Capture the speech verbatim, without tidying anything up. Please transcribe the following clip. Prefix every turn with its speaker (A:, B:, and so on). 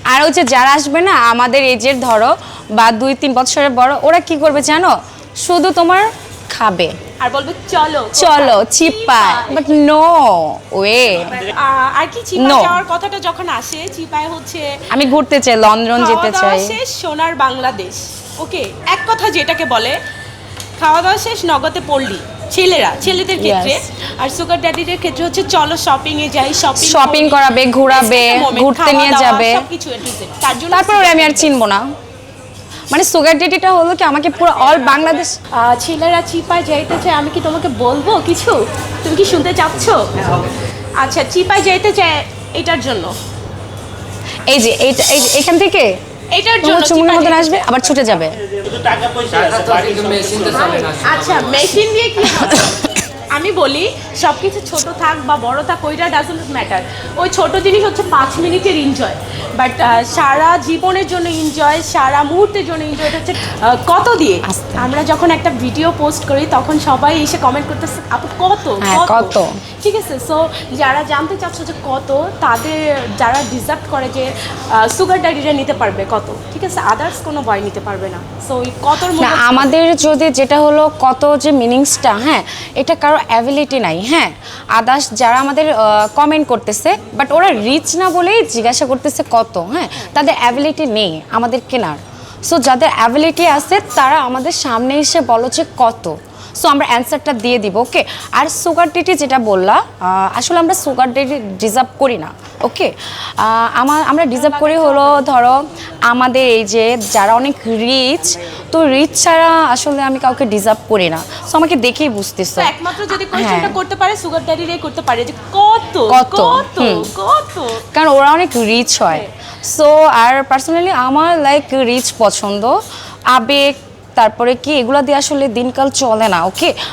A: আর হচ্ছে যারা আসবে না আমাদের এজের ধরো বা দুই তিন বছরের বড়, ওরা কি করবে জানো, শুধু তোমার খাবে
B: আর বলবে চলো
A: চলো চিপায়, বাট নো ওয়ে।
B: আর কি চিপায় যাওয়ার কথাটা যখন আসে, চিপায় হচ্ছে
A: আমি ঘুরতে চাই, লন্ডন যেতে চাই।
B: শেষ সোনার বাংলাদেশ, ওকে। এক কথা যেটাকে বলে খাওয়া দাওয়া শেষ নগদে পড়লি, ছেলেরা ছেলেদের ক্ষেত্রে। আর সুগার ড্যাডিদের ক্ষেত্রে হচ্ছে চলো শপিং এ যাই, শপিং
A: শপিং করাবে, ঘোরাবে, ঘুরতে নিয়ে যাবে,
B: সবকিছু এ টু জেড। তার জন্য
A: তারপর আমি আর চিনবো না। মানে সুগার ডেডিটা হলো কি আমাকে পুরো অল বাংলাদেশ।
B: ছেলেরা চিপায় যাইতে চায়, আমি কি তোমাকে বলবো কিছু, তুমি কি শুনতে চাচ্ছ? আচ্ছা, চিপায় যাইতে চায় এটার জন্য,
A: এই যে এইটা, এই এখান থেকে
B: এটার জন্য
A: চুমুনের মতন আসবে আবার ছুটে যাবে।
B: আচ্ছা, মেশিন দিয়ে কি হবে? আমি বলি সবকিছু ছোট থাক বা বড় থাক, ওইটা ডাজন্ট ম্যাটার। ওই ছোট জিনিস হচ্ছে পাঁচ মিনিটের এনজয়, বাট সারা জীবনের জন্য এনজয়, সারা মুহূর্তের জন্য এনজয় এটা হচ্ছে আহ, কত দিয়ে। আমরা যখন একটা ভিডিও পোস্ট করি তখন সবাই এসে কমেন্ট করতেছে আপু কত
A: কত,
B: ঠিক আছে। সো যারা জানতে চাচ্ছ যে কত, তাদের যারা ডিজার্ভ করে যে সুগার ড্যাডিরা নিতে পারবে কত, ঠিক আছে, আদার্স কোনো বয় নিতে পারবে না। সো ওই কতর মধ্যে
A: আমাদের যদি যেটা হলো কত যে মিনিংসটা, হ্যাঁ এটা কারো অ্যাবিলিটি নাই। হ্যাঁ আদার্স যারা আমাদের কমেন্ট করতেছে, বাট ওরা রিচ না বলেই জিজ্ঞাসা করতেছে কত, হ্যাঁ তাদের অ্যাবিলিটি নেই আমাদের কেনার। সো যাদের অ্যাবিলিটি আছে তারা আমাদের সামনে এসে বলো যে কত, সো আমরা অ্যান্সারটা দিয়ে দিব, ওকে। আর সুগার ডেডি যেটা বললা, আসলে আমরা সুগার ডেডি ডিজার্ভ করি না, ওকে। আমার আমরা ডিজার্ভ করি হলো ধরো আমাদের এই যে যারা অনেক রিচ, তো রিচ ছাড়া আসলে আমি কাউকে ডিজার্ভ করি না। সো আমাকে দেখেই বুঝতেছো,
B: একমাত্র যদি কোশ্চেনটা করতে পারে সুগার ড্যাডিরাই করতে পারে যে কত
A: কত
B: কত কত,
A: কারণ ওরা অনেক রিচ হয়। সো আর পার্সোনালি আমার লাইক রিচ পছন্দ, আবেগ, তারপরে কি এগুলো দিয়ে আসলে দিনকাল চলে না, ওকে।